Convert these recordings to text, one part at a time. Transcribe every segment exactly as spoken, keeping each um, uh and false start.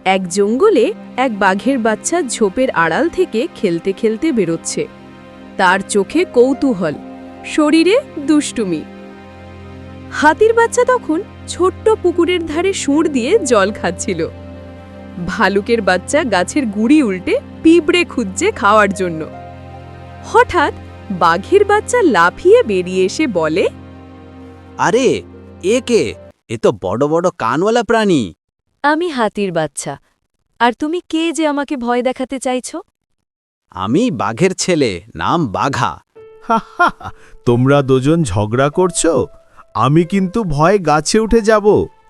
এক জঙ্গলে এক বাঘের বাচ্চা ঝোপের আড়াল থেকে খেলতে খেলতে বেরোচ্ছে। তার চোখে কৌতূহল, শরীরে দুষ্টুমি। হাতির বাচ্চা তখন ছোট্ট পুকুরের ধারে সুঁড় দিয়ে জল খাচ্ছিল। ভালুকের বাচ্চা গাছের গুড়ি উল্টে পিঁপড়ে খুঁজছে খাওয়ার জন্য। হঠাৎ বাঘের বাচ্চা লাফিয়ে বেরিয়ে এসে বলে, আরে এ কে? এ তো বড় বড় কানওয়ালা প্রাণী। আমি হাতির বাচ্চা। আর তুমি কে যে আমাকে ভয় দেখাতে চাইছো? আমি বাঘের ছেলে, নাম বাঘা। হা হা হা, তোমরা দুজন ঝগড়া করছো? আমি কিন্তু ভয়ে গাছে উঠে যাব।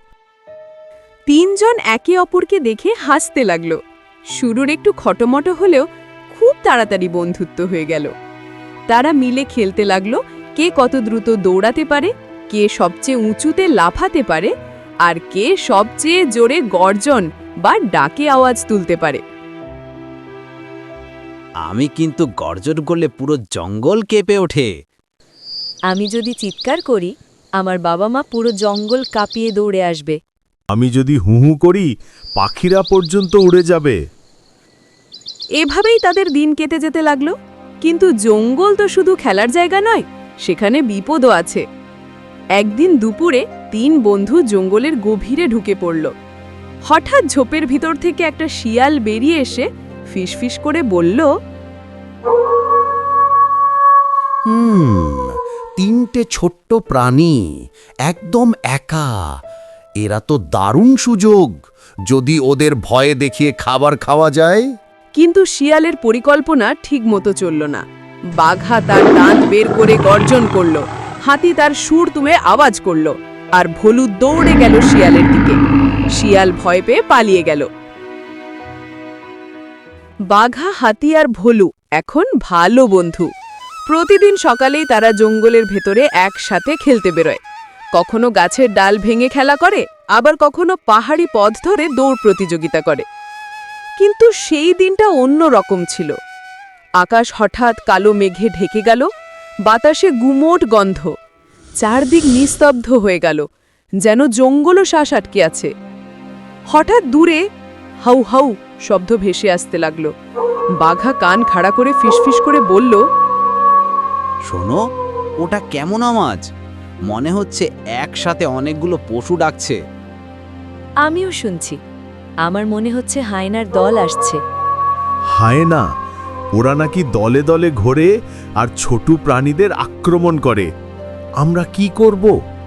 তিনজন একে অপরকে দেখে হাসতে লাগল। শুরুর একটু খটোমটো হলেও খুব তাড়াতাড়ি বন্ধুত্ব হয়ে গেল। তারা মিলে খেলতে লাগলো, কে কত দ্রুত দৌড়াতে পারে, কে সবচেয়ে উঁচুতে লাফাতে পারে, আর কে সবচেয়ে জোরে গর্জন বা ডাকে আওয়াজ তুলতে পারে। আমি কিন্তু গর্জন করলে পুরো জঙ্গল কেঁপে ওঠে। আমি যদি চিৎকার করি, আমার বাবা মা পুরো জঙ্গল কাঁপিয়ে দৌড়ে আসবে। আমি যদি হু হু করি, পাখিরা পর্যন্ত উড়ে যাবে। এভাবেই তাদের দিন কেটে যেতে লাগলো। কিন্তু জঙ্গল তো শুধু খেলার জায়গা নয়, সেখানে বিপদও আছে। একদিন দুপুরে তিন বন্ধু জঙ্গলের গভীরে ঢুকে পড়ল। হঠাৎ ঝোপের ভিতর থেকে একটা শিয়াল বেরিয়ে এসে ফিসফিস করে বলল, হুম তিনটে ছোট্ট প্রাণী একদম একা, এরা তো দারুণ সুযোগ। যদি ওদের ভয়ে দেখিয়ে খাবার খাওয়া যায়। কিন্তু শিয়ালের পরিকল্পনা ঠিকমতো চলল না। বাঘা তার দাঁত বের করে গর্জন করল, হাতি তার সুর তুলে আওয়াজ করল, আর ভলু দৌড়ে গেল শিয়ালের দিকে। শিয়াল ভয় পেয়ে পালিয়ে গেল। বাঘা, হাতি আর ভলু এখন ভালো বন্ধু। প্রতিদিন সকালেই তারা জঙ্গলের ভেতরে একসাথে খেলতে বেরোয়। কখনো গাছের ডাল ভেঙে খেলা করে, আবার কখনো পাহাড়ি পথ ধরে দৌড় প্রতিযোগিতা করে। কিন্তু সেই দিনটা অন্য রকম ছিল। আকাশ হঠাৎ কালো মেঘে ঢেকে গেল, বাতাসে গুমোট গন্ধ, চারদিক নিস্তব্ধ হয়ে গেল, যেন জঙ্গলও শ্বাস আটকে আছে। হঠাৎ দূরে হাউ হাউ শব্দ ভেসে আসতে লাগলো। বাঘা কান খাড়া করে ফিসফিস করে বলল, শোনো, ওটা কেমন আওয়াজ? মনে হচ্ছে একসাথে অনেকগুলো পশু ডাকছে। আমিও শুনছি। আমার মনে হচ্ছে হায়নার দল আসছে। হায়না? ওরা নাকি দলে দলে ঘোরে আর ছোট প্রাণীদের আক্রমণ করে। আমরা কি করব?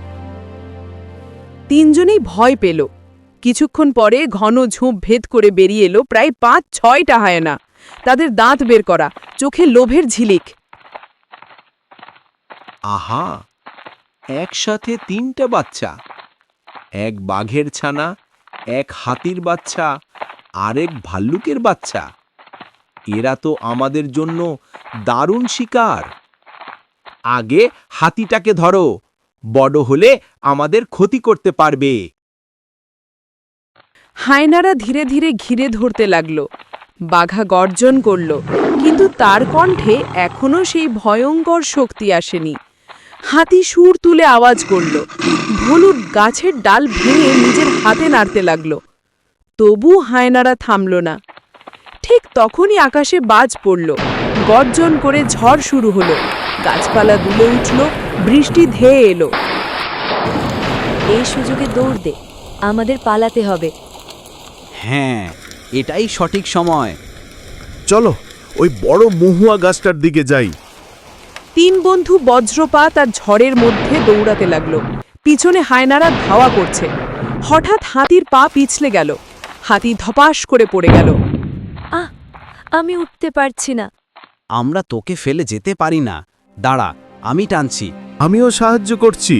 তিনজনেই ভয় পেল। কিছুক্ষণ পরে ঘন ঝোপ ভেদ করে বেরিয়ে এলো প্রায় পাঁচ ছয়টা হায়না। তাদের দাঁত বের করা, চোখে লোভের ঝিলিক। আহা, একসাথে তিনটা বাচ্চা, এক বাঘের ছানা, এক হাতির বাচ্চা, আরেক ভাল্লুকের বাচ্চা। এরা তো আমাদের জন্য দারুণ শিকার। আগে হাতিটাকে ধরো, বড় হলে আমাদের ক্ষতি করতে পারবে। হায়নারা ধীরে ধীরে ঘিরে ধরতে লাগল। বাঘা গর্জন করল, কিন্তু তার কণ্ঠে এখনো সেই ভয়ঙ্কর শক্তি আসেনি। হাতি সুর তুলে আওয়াজ করল, ভলু গাছের ডাল ভেঙে নিজের হাতে নাড়তে লাগল। তবু হায়নারা থামল না। ঠিক তখনই আকাশে বাজ পড়ল, গর্জন করে ঝড় শুরু হলো, গাছপালা দুলে উঠল, বৃষ্টি ধেয়ে এলো। এই সুযোগে দৌড় দে, আমাদের পালাতে হবে। হ্যাঁ, এটাই সঠিক সময়। চলো ওই বড় মহুয়া গাছটার দিকে যাই। তিন বন্ধু বজ্রপাত আর ঝড়ের মধ্যে দৌড়াতে লাগলো। পিছনে হায়নারা ধাওয়া করছে। হঠাৎ হাতির পা পিছলে গেল। হাতি ধপাস করে পড়ে গেল। আহ, আমি উঠতে পারছি না। আমরা তোকে ফেলে যেতে পারি না, দাঁড়া, আমি টানছি। আমিও সাহায্য করছি।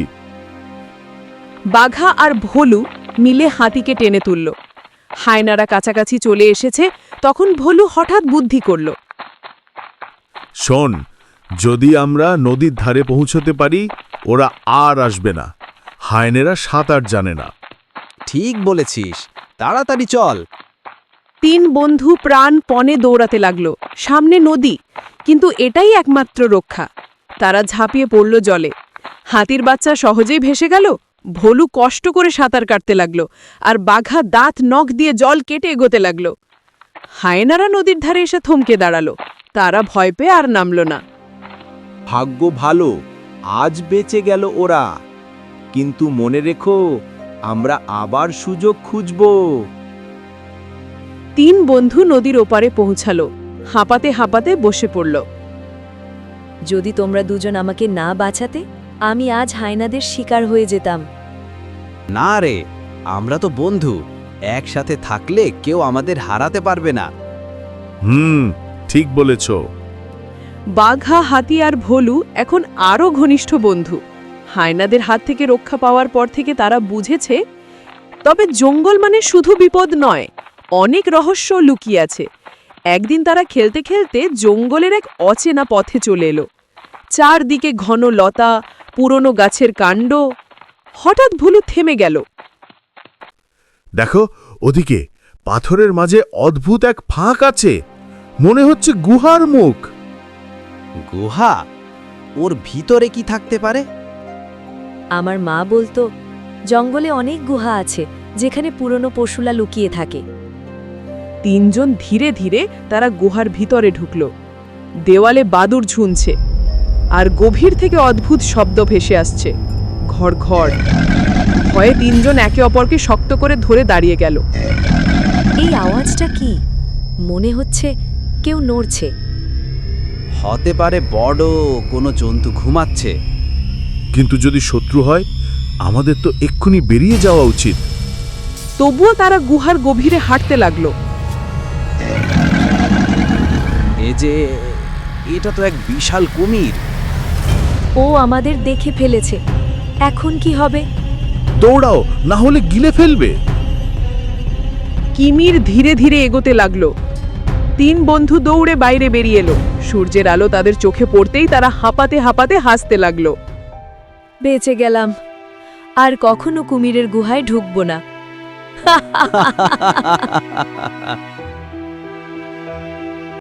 বাঘা আর ভলু মিলে হাতিকে টেনে তুলল। হায়নারা কাছাকাছি চলে এসেছে, তখন ভলু হঠাৎ বুদ্ধি করল। শোন, যদি আমরা নদীর ধারে পৌঁছতে পারি, ওরা আর আসবে না। হায়নেরা সাঁতার জানে না। ঠিক বলেছিস, তাড়াতাড়ি চল। তিন বন্ধু প্রাণপণে দৌড়াতে লাগল। সামনে নদী, কিন্তু এটাই একমাত্র রক্ষা। তারা ঝাঁপিয়ে পড়ল জলে। হাতির বাচ্চা সহজেই ভেসে গেল, ভোলু কষ্ট করে সাঁতার কাটতে লাগলো আর বাঘা দাঁত নখ দিয়ে জল কেটে এগোতে লাগলো। হায়েনারা নদীর ধারে এসে থমকে দাঁড়ালো। তারা ভয় পেয়ে আর নামল না। ভাগ্য ভালো, আজ বেঁচে গেল ওরা। কিন্তু মনে রেখো, আমরা আবার সুযোগ খুঁজব। তিন বন্ধু নদীর ওপারে পৌঁছালো, হাঁপাতে হাঁপাতে বসে পড়ল। যদি তোমরা দুজন আমাকে না বাঁচাতে, আমি আজ হায়নাদের শিকার হয়ে যেতাম। না রে, আমরা তো বন্ধু, একসাথে থাকলে কেউ আমাদের হারাতে পারবে না। হুম, ঠিক বলেছ। বাঘা, হাতি আর ভোলু এখন আরও ঘনিষ্ঠ বন্ধু। হায়নাদের হাত থেকে রক্ষা পাওয়ার পর থেকে তারা বুঝেছে, তবে জঙ্গল মানে শুধু বিপদ নয়, অনেক রহস্য লুকিয়ে আছে। একদিন তারা খেলতে খেলতে জঙ্গলের এক অচেনা পথে চলে এলো। চারদিকে ঘন লতা, পুরনো গাছের কাণ্ড। হঠাৎ ভুলু থেমে গেল। দেখো, ওদিকে পাথরের মাঝে অদ্ভুত এক ফাঁক আছে, মনে হচ্ছে গুহার মুখ। গুহা? ওর ভিতরে কি থাকতে পারে? আমার মা বলতো, জঙ্গলে অনেক গুহা আছে যেখানে পুরনো পশুরা লুকিয়ে থাকে। তিনজন ধীরে ধীরে তারা গুহার ভিতরে ঢুকল। দেওয়ালে বাদুড় ঝুনছে আর গভীর থেকে অদ্ভুত শব্দ ভেসে আসছে, ঘড় ঘড়। ভয়ে তিনজন একে অপরকে শক্ত করে ধরে দাঁড়িয়ে গেল। এই আওয়াজটা কি? মনে হচ্ছে কেউ নড়ছে। হতে পারে বড় কোনো জন্তু ঘুমাচ্ছে। কিন্তু যদি শত্রু হয়, আমাদের তো এক্ষুনি বেরিয়ে যাওয়া উচিত। তবুও তারা গুহার গভীরে হাঁটতে লাগলো। এ যে, এটা তো এক বিশাল কুমির। ও আমাদের দেখে ফেলেছে। এখন কি হবে? দৌড়াও, না হলে গিলে ফেলবে। কিমির ধীরে ধীরে এগোতে লাগলো। তিন বন্ধু দৌড়ে বাইরে বেরিয়ে এলো। সূর্যের আলো তাদের চোখে পড়তেই তারা হাঁপাতে হাঁপাতে হাসতে লাগলো। বেঁচে গেলাম, আর কখনো কুমিরের গুহায় ঢুকবো না।